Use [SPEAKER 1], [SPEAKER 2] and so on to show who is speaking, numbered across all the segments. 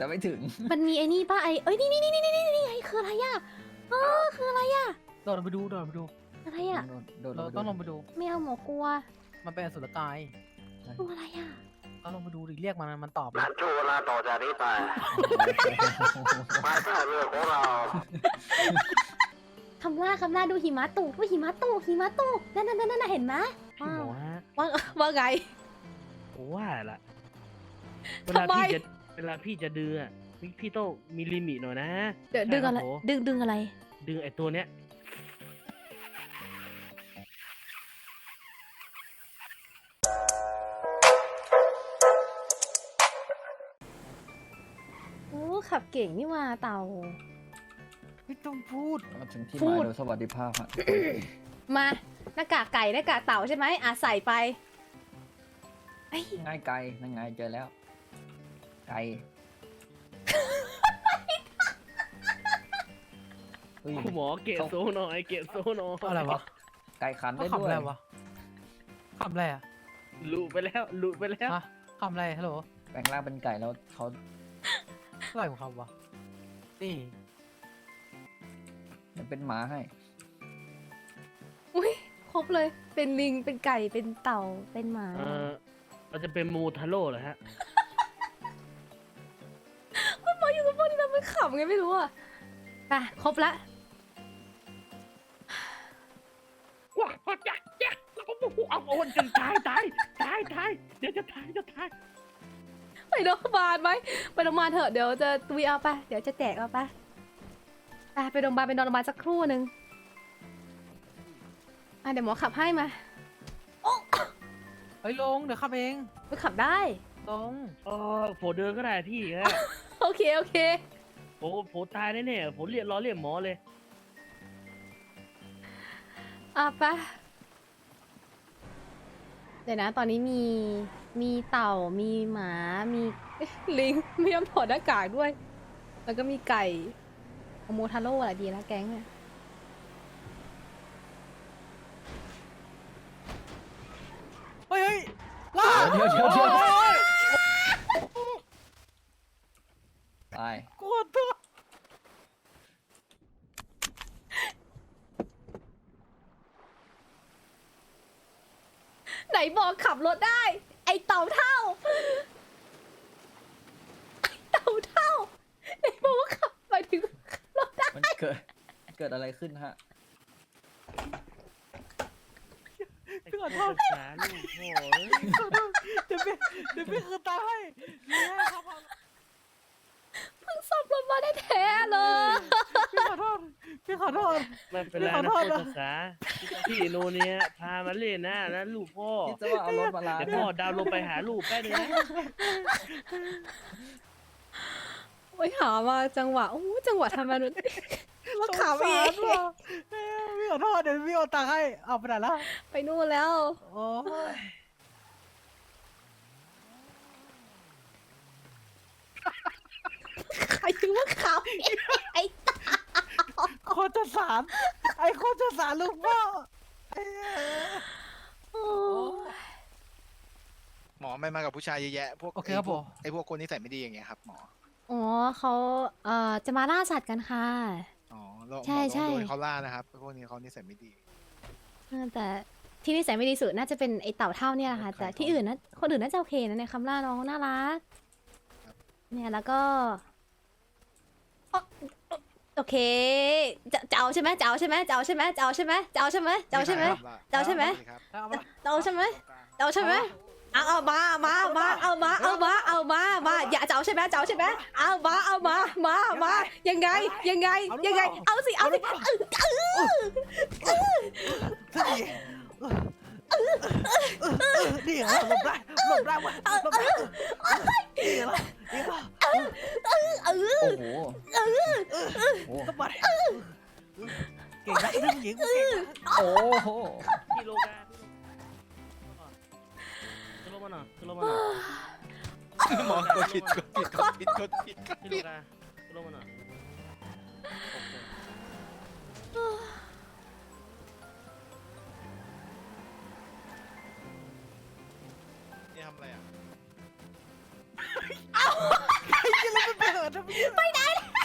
[SPEAKER 1] แต่ไม่ถึง
[SPEAKER 2] มันมีไอ้นี่ป่ะไอ้เอ้ยนี่ไอ้คืออะไรอ่ะคืออะไรอ่ะ
[SPEAKER 3] โดดลงไปดู
[SPEAKER 2] อะไรอ่ะ
[SPEAKER 3] เราต้องลงไปดู
[SPEAKER 2] ไม่เอาหมอกลัว
[SPEAKER 3] มันเป็นอสุรกาย
[SPEAKER 2] ตัวอะไรอ่ะ
[SPEAKER 3] ต้องลงไปดูดิเรียกมันตอบ
[SPEAKER 4] นัดช่วงเวลาต่อจากนี้ไปภายใต้เรือของเรา
[SPEAKER 2] คำล่าดูหิมะตกนั่นเห็นไหม
[SPEAKER 5] พี่หมอฮะ
[SPEAKER 2] ว่าไง
[SPEAKER 5] ผมว่าละเว
[SPEAKER 2] ทำ
[SPEAKER 5] ลา
[SPEAKER 2] ไม
[SPEAKER 5] พี่จะดึงอ่ะพี่ต้องมีลิมิตหน่อยนะ
[SPEAKER 2] เดี๋ยวดึงอะไร
[SPEAKER 5] ใช่คบผม
[SPEAKER 2] ดึงอะไร
[SPEAKER 5] ดึงไอ้ตัวเนี้ย
[SPEAKER 2] โอ้ขับเก่งนี่ว่าเต่า
[SPEAKER 3] ไม่ต้องพูด
[SPEAKER 1] มาถึงที่ห
[SPEAKER 2] พู
[SPEAKER 1] มาย
[SPEAKER 2] ด
[SPEAKER 1] โดยสวัสดิภาพฮะ
[SPEAKER 2] มาหน้ากากไก่หน้ากากเต่าใช่ไหมใส่ไปไอ้ย
[SPEAKER 1] ง่ายไกลนั่นไงเจอแล้ว ไกลเฮ้ย
[SPEAKER 5] คุณหมอเกะโซหน่อยเกะโซหน่อย
[SPEAKER 3] อะไรวะ
[SPEAKER 1] ไกลขัน
[SPEAKER 3] เขา
[SPEAKER 1] ได้
[SPEAKER 3] ขำ
[SPEAKER 1] ด้ว
[SPEAKER 3] อะ
[SPEAKER 1] ย
[SPEAKER 3] ไรวะขำอะไรอ่ะ
[SPEAKER 5] หลุดไปแล้ว
[SPEAKER 3] ฮะขำอะไรฮัลโหล
[SPEAKER 1] แปลงร่างเป็นไก่แล้วเขา
[SPEAKER 3] อะไรของเขาวะนี่
[SPEAKER 1] จะเป็นหมาให้
[SPEAKER 2] อุ้ยครบเลย เป็นลิงเป็นไก่เป็นเต่าเป็นหมา
[SPEAKER 5] เราจะเป็นมูทาโร่เหรอฮะ
[SPEAKER 2] หมออยู่กับพวกนี้เราไม่ขำไงไม่รู้อ่ะไปครบละ
[SPEAKER 5] ว้าวจักเอาจนตายเดี๋ยวจะตาย
[SPEAKER 2] ไปโรงพยาบาลไหมไปโรงพยาบาลเถอะเดี๋ยวจะตุยเอาไปเดี๋ยวจะแจกเอาไปไปโรงพยาบาลไปนอนโรงพยาบาลสักครู่หนึ่งเดี๋ยวหมอขับให้มา
[SPEAKER 3] เฮ้ยลงเดี๋ยวขับเอง
[SPEAKER 2] ไปขับได้
[SPEAKER 3] ลง
[SPEAKER 5] ผมเดินก็ได้พี่ฮะ
[SPEAKER 2] โอเค
[SPEAKER 5] ผมตายแน่ๆผมรอเรียกหมอเลย
[SPEAKER 2] ไปเดี๋ยวนะตอนนี้มีเต่ามีหมามีลิงไม่ยอมถอดหน้ากากด้วย แล้วก็มีไก่โมทาโร่อะไรดีแล้วแก๊งเนี่ย
[SPEAKER 3] เฮ้ยล่า
[SPEAKER 1] เดี๋ยวตาย
[SPEAKER 3] กลัวตัว
[SPEAKER 2] ไหนบอกขับรถได้ ไอเต่าเท่าไหนบอกว่าขับไปถึงรถได้
[SPEAKER 1] มันเกิดอะไรขึ้นฮะ
[SPEAKER 3] พี่ขอโทษ
[SPEAKER 5] ศึกษาลูกโอ้ย
[SPEAKER 3] เดี๋ยวพี่คืนตาให้เนี่ยครับ
[SPEAKER 2] เพิ่งซ่อมรถมาได้แท้ๆเลย
[SPEAKER 3] พี่ขอโทษ
[SPEAKER 5] ไม่เป็นไร
[SPEAKER 3] ขอ
[SPEAKER 5] นะ
[SPEAKER 3] โทษ
[SPEAKER 5] ผู้
[SPEAKER 3] นะ
[SPEAKER 5] ศึกษาพี่โนเนียพามาเล่นนะลูกพ่อ
[SPEAKER 1] คิดซะว่าเอารถมาล้าง
[SPEAKER 5] เดี๋ยวพ่อดาวน์ลงไปหาลูกแป๊บนึงนะ
[SPEAKER 2] โอ้ยหามาจังหวะจังหวะทำมานุมาขับเอง
[SPEAKER 3] พี่ขอโทษเดี๋ยวพี่เอาตังค์ให้เอาไปไหนแล้ว
[SPEAKER 2] ไปนู่นแล้ว
[SPEAKER 3] โอ้ย
[SPEAKER 2] ใครถึงว่าขับไอ้
[SPEAKER 3] โคตรจะสารไอ้โคตรจะสารลูกพ่อ
[SPEAKER 2] โอ้ย
[SPEAKER 6] หมอไม่มากับผู้ชายเยอะแยะพวก
[SPEAKER 3] โอเคครับผม
[SPEAKER 6] ไอ้พวกคนนิสัยไม่ดีอย่างเงี้ยครับหมอ
[SPEAKER 2] อ๋อเขาจะมาล่าสัตว์กันค่ะ
[SPEAKER 6] อ๋อแล้วหมอ
[SPEAKER 2] ใช่
[SPEAKER 6] ต้องโด
[SPEAKER 2] ใช่
[SPEAKER 6] นเขาล่านะครับพวกนี้เขานิสัยไม่ดี
[SPEAKER 2] แต่ที่นิสัยไม่ดีสุดน่าจะเป็นไอเต่าเท่าเนี่ยแหละค่ะ
[SPEAKER 6] ครับ
[SPEAKER 2] แต่ที่อื่นนะคนอื่นน่าจะโอเคนะในคำล่าน้องน่ารัก เนี่ยแล้วก็อ๊ะโอเคจะเอาใช่ไหมจะเอาใช่ไหมจะเอาใช่ไหมจะเอาใช่ไหมจะเอาใช่ไหมจะเอาใช่ไหม จะเอาใช่ไหม
[SPEAKER 6] ครับ
[SPEAKER 3] เอามา
[SPEAKER 2] จะเอาใช่ไหมจะเอาใช่ไหมเอามาอย่าจะเอาใช่ไหมจะเอาใช่ไหมมายังไงเอาสิ
[SPEAKER 3] นี่เหรอหลบได้วะหลบได้นี่เหรอ
[SPEAKER 1] โอ้โหโอ้โห
[SPEAKER 3] ก็มาเก่งนะเรื่องหญิงเก่งนะ
[SPEAKER 1] โอ้โห
[SPEAKER 5] พี่โลกาขึ้นรถมาหน่อยขึ้นรถมาหน่อย
[SPEAKER 6] หมอกดผิด
[SPEAKER 5] พี่โลกาขึ้นรถมาหน่อย
[SPEAKER 6] นี่ทำอะไรอ่ะ
[SPEAKER 3] ไอ้ยี่มันเป็น
[SPEAKER 2] ไปไหน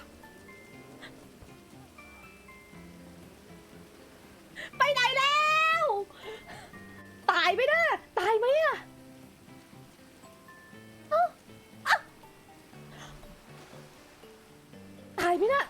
[SPEAKER 2] ไปไหนแล้วตายไหมนะตายไหมอะเอ้าอ่ะตายไหมนะ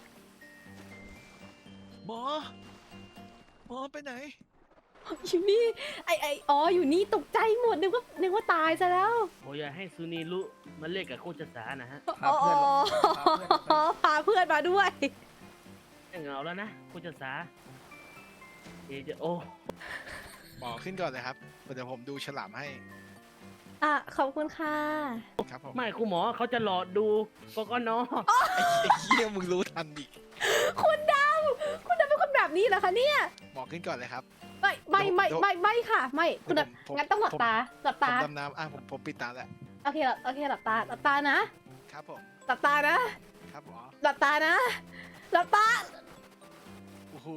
[SPEAKER 6] หมอ หมอไปไหน
[SPEAKER 2] อยู่นี่อ๋ออยู่นี่ตกใจหมดนึกว่าตายซะแล้ว
[SPEAKER 5] โอ้ยอย่าให้ซูนีรู้มาเล่นกับโคชสานะฮะ
[SPEAKER 1] พาเพื่อนมา
[SPEAKER 2] พาเพื่อนมาด้วย
[SPEAKER 5] ยังเหงาแล้วนะโคชสาเดี๋ยวจะโอ้
[SPEAKER 6] หมอขึ้นก่อนเลยครับ เดี๋ยวผมดูฉลามให้
[SPEAKER 2] อ่ะขอบคุณค่ะ
[SPEAKER 6] ครับผม
[SPEAKER 5] ไม่คุณหมอเขาจะหลอดดูกกน
[SPEAKER 6] ไอ้เหี้ยมึงรู้ทันดิ
[SPEAKER 2] คุณดาวเป็นคนแบบนี้เหรอคะเนี่ย
[SPEAKER 6] หมอขึ้นก่อนเลยครับ
[SPEAKER 2] ไม่ค่ะ ไม่คุณดาว
[SPEAKER 6] ผม
[SPEAKER 2] งั้นต้องหลับตาหลับ
[SPEAKER 6] ผม
[SPEAKER 2] ตา
[SPEAKER 6] ดำน้ำผมปิดตาแล้ว
[SPEAKER 2] โอเคหลับตานะครับ
[SPEAKER 6] ผม
[SPEAKER 2] หลับตานะครับ
[SPEAKER 6] หมอ
[SPEAKER 2] หลับตานะหลับตา
[SPEAKER 6] โอ้โห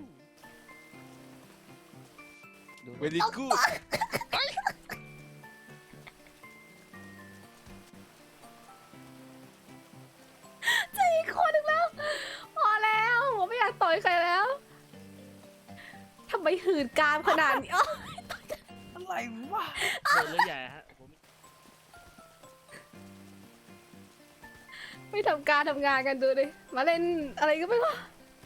[SPEAKER 1] ดู
[SPEAKER 6] เวลิกูด
[SPEAKER 2] อีกคนหนึ่งแล้วพอแล้วผมไม่อยากต่อยใครแล้วทำไมหืนกามขนาดนี้
[SPEAKER 3] อะไรวะ
[SPEAKER 5] โดนเลยใหญ่ฮะผม
[SPEAKER 2] ไม่ทำการทำงานกันดูดิมาเล่นอะไรก็ไม่รู้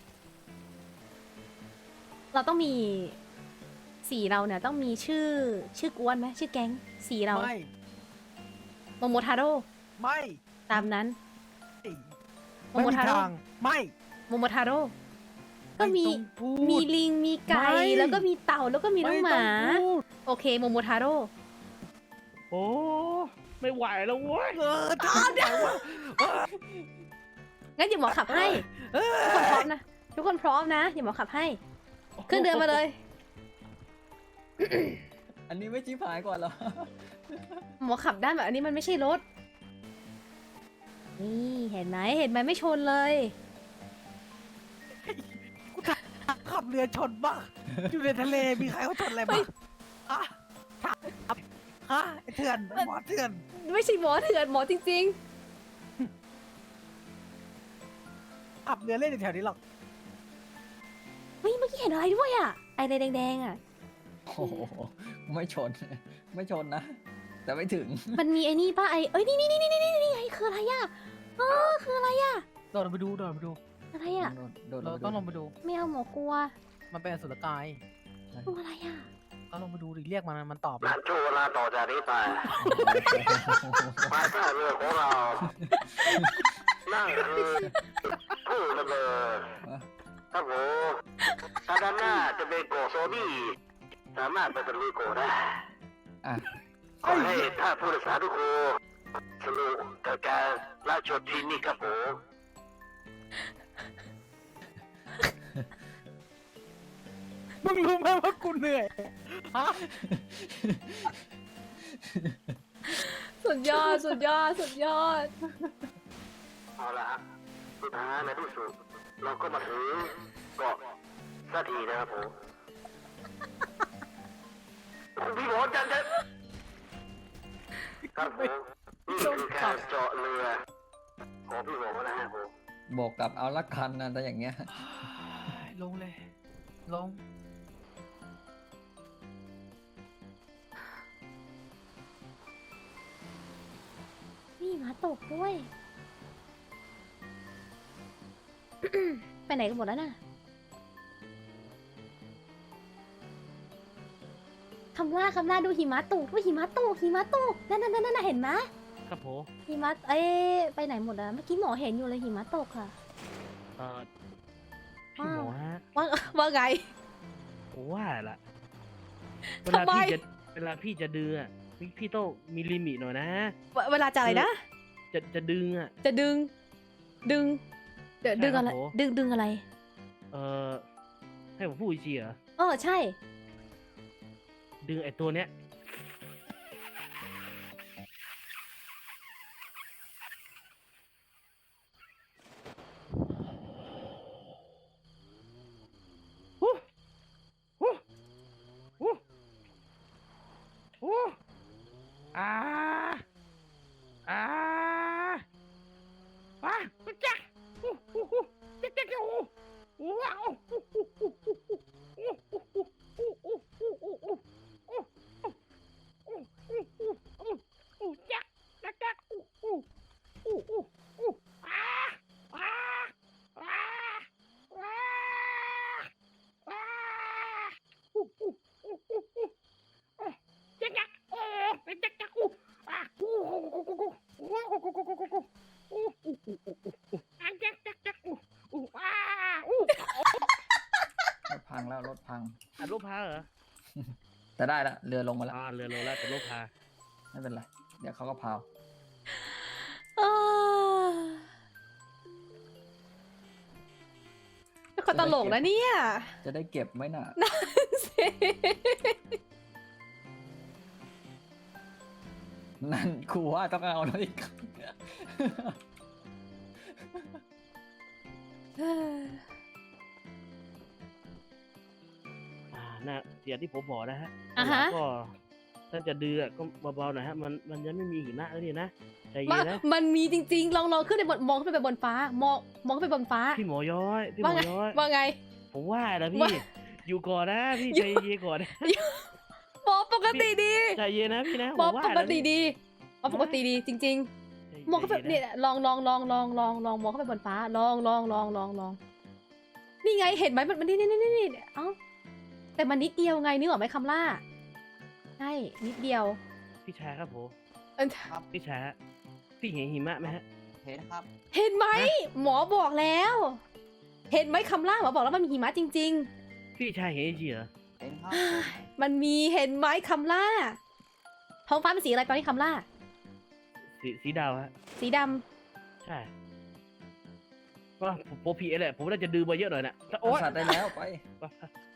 [SPEAKER 2] เราต้องมีสีเราเนี่ยต้องมีชื่อกวนไหมชื่อแก๊งสีเรา
[SPEAKER 3] ไม่
[SPEAKER 2] โมโมทาโร่
[SPEAKER 3] ไม่
[SPEAKER 2] ตามนั้น โม
[SPEAKER 3] ไม่
[SPEAKER 2] โม
[SPEAKER 3] มี
[SPEAKER 2] ทาโร่
[SPEAKER 3] ทางไม่
[SPEAKER 2] โมโมทาโร่ก็มี
[SPEAKER 3] ไต้องพูด
[SPEAKER 2] มีลิงมีไก่
[SPEAKER 3] ไม่
[SPEAKER 2] แล้วก็มีเต่าแล้วก็มีน้องหมา
[SPEAKER 3] ไต้องพูด
[SPEAKER 2] โอเคโมโมทาโร่
[SPEAKER 5] โอ้ไม่ไหวแล้วเว้ย
[SPEAKER 3] ทำไมวะ
[SPEAKER 2] งั้นเดี๋ยวหมอขับให้ทุกคนพร้อมนะทุกคนพร้อมนะเดี๋ยวหมอขับให้ขึ้นเดินมาเลย
[SPEAKER 1] อันนี้ไม่ชี้ผายก่อนเหรอ
[SPEAKER 2] หมอขับได้แบบอันนี้มันไม่ใช่รถ นี่เห็นไหมไม่ชนเลย
[SPEAKER 3] ขับเรือชนบ้างอยู่ในทะเลมีใครเขาชนอะไรบ้างอะถามฮะไอ้เถื่อนหมอเถื่อน
[SPEAKER 2] ไม่ใช่หมอเถื่อนหมอจริง
[SPEAKER 3] ขับเรือเล่นอยู่แถวนี้หรอก
[SPEAKER 2] ๆเฮ้ยเมื่อกี้เห็นอะไรด้วยอ่ะไออะไรแดงๆอ่ะ
[SPEAKER 1] โอ้โหไม่ชน ไม่ชนนะ แต่ไม่ถึง
[SPEAKER 2] มันมีไอ้นี่ป่ะเอ้ยนี่ไงคืออะไรอ่ะคืออะไรอ่ะ
[SPEAKER 3] โดดลงไปดู
[SPEAKER 2] อะไรอ่ะ
[SPEAKER 3] เราต้องลงไปดู
[SPEAKER 2] ไม่เอาหมอกลัว
[SPEAKER 3] มันเป็นอสุรกาย
[SPEAKER 2] ตัวอะไรอ่ะ
[SPEAKER 3] ต้องลงไปดูดิเรียกมันตอบ
[SPEAKER 4] นันช่วงเวลาต่อจากนี้ไปภายใต้เรือของเรา นั่นคือผู้ดำเนินครับผมถ้าด้านหน้าจะเป็นโกโซบี้สามารถไปตะลุยโกได้
[SPEAKER 1] อ่ะ
[SPEAKER 4] ขอให้ท่านผู้โดยสารทุกคนสนุกกับการรับชมที่นี่ครับผม
[SPEAKER 3] มึงรู้ไหมว่ากูเหนื่อยฮะ
[SPEAKER 2] สุดยอด
[SPEAKER 4] เอาละครับสุดท้ายในที่สุดเราก็มาถึงเกาะสักทีนะครับผมคุณพี่หมอจันจะครับผมนี่คือการเจาะเรือของพี่หมอนะครับผม
[SPEAKER 1] บอกกับเอาละคันนะแต่อย่างเงี้ย
[SPEAKER 3] ลงเลย ลง
[SPEAKER 2] นี่หมาตกด้วย ไปไหนกันหมดแล้วน่ะคำล่าดูหิมะตกด้วยหิมะตกนั่นเห็นไหม
[SPEAKER 5] ครับผม
[SPEAKER 2] หิมะไปไหนหมดอะเมื่อกี้หมอเห็นอยู่เลยหิมะตกค่ะ
[SPEAKER 5] พี่หมอฮะ
[SPEAKER 2] ว่าไง
[SPEAKER 5] ผมว่าละเว
[SPEAKER 2] ทำ
[SPEAKER 5] ลา
[SPEAKER 2] ไม
[SPEAKER 5] พี่จะดื้ออะพี่ต้องมีลิมิตหน่อยนะ
[SPEAKER 2] เวลาจะอะไรนะ
[SPEAKER 5] จะดึงอ่ะ
[SPEAKER 2] จะดึงเดี๋ยวดึงอะไร
[SPEAKER 5] ใช่ครับผม
[SPEAKER 2] ดึงอะไร
[SPEAKER 5] ให้ผมพูดอีกทีเหรอ
[SPEAKER 2] ใช่
[SPEAKER 5] ดึงไอ้ตัวเนี้ยฮู้ฮู้ฮู้ฮู้อ่าอ่าอ่า
[SPEAKER 1] แต่ได้ละเรือลงมาแล้ว
[SPEAKER 5] เรือโลล่าเป็นโลพา
[SPEAKER 1] ไม่เป็นไร เดี๋ยวเขาก็พาว
[SPEAKER 2] อ้าวคนตลกนะเนี่ย
[SPEAKER 1] จะได้เก็บไว้น่ะ นั่นครูว่าต้องเอาแล้วอีก
[SPEAKER 5] น่ะอย่างที่ผมบอกนะฮะ
[SPEAKER 2] อ่าฮะ
[SPEAKER 5] ก็ถ้าจะดื้อก็เบาๆหน่อยฮะมันยังไม่มีหิมะแล้วนี่นะใจเย็
[SPEAKER 2] มัน
[SPEAKER 5] นนะ
[SPEAKER 2] มันมีจริงๆ ลองขึ้นไปบนมองขึ้นไปบนฟ้า มองขึ้นไปบนฟ้า
[SPEAKER 5] พี่หมอย้อยพี่หม
[SPEAKER 2] ว่า
[SPEAKER 5] อ
[SPEAKER 2] ไง
[SPEAKER 5] ย้อย
[SPEAKER 2] ว่าไง
[SPEAKER 5] ผมว่านะพี่
[SPEAKER 2] ว่า
[SPEAKER 5] อยู่ก่อนนะพี่
[SPEAKER 2] อยู่
[SPEAKER 5] ใจเย็นก่อนนะ
[SPEAKER 2] หมอปกติดี
[SPEAKER 5] ใจเย็นนะพี่นะ
[SPEAKER 2] หมอ
[SPEAKER 5] ผมว่า
[SPEAKER 2] ป
[SPEAKER 5] นะ
[SPEAKER 2] กติ
[SPEAKER 5] พี่
[SPEAKER 2] ดีหมอปกติดีจริง ๆ มองเข้าไป
[SPEAKER 5] ใจ
[SPEAKER 2] เนี่ยลองมองเข้าไปบนฟ้า ลองนี่ไงเห็นไหมมันนี่เอ้าแต่มันนิดเดียวไงนึกออกไหมคำล่าใช่นิดเดียว
[SPEAKER 5] พี่ชายครับผม
[SPEAKER 2] เอิ่ม
[SPEAKER 5] พี่ชายฮะพี่เห็นหิมะไหมฮะ
[SPEAKER 1] เห็นครับ
[SPEAKER 2] เห็นไหมหมอบอกแล้ว เห็นไหมคำล่าหมอบอกแล้วมันมีหิมะจริง
[SPEAKER 5] พี่ชายเห็นจริงเหรอ
[SPEAKER 1] เห็นครับ
[SPEAKER 2] ๆ มันมีเห็นไหมคำล่า ท้องฟ้าเป็นสีอะไรตอนนี้คำล่า
[SPEAKER 5] สีดาวฮะ
[SPEAKER 2] สีด
[SPEAKER 5] ใช่ว่าผมผีแหละผมน่าจะดื้อมาเยอะหน่อยนะโอ๊ย
[SPEAKER 1] สัตว์ได้แล้วไป
[SPEAKER 5] ไป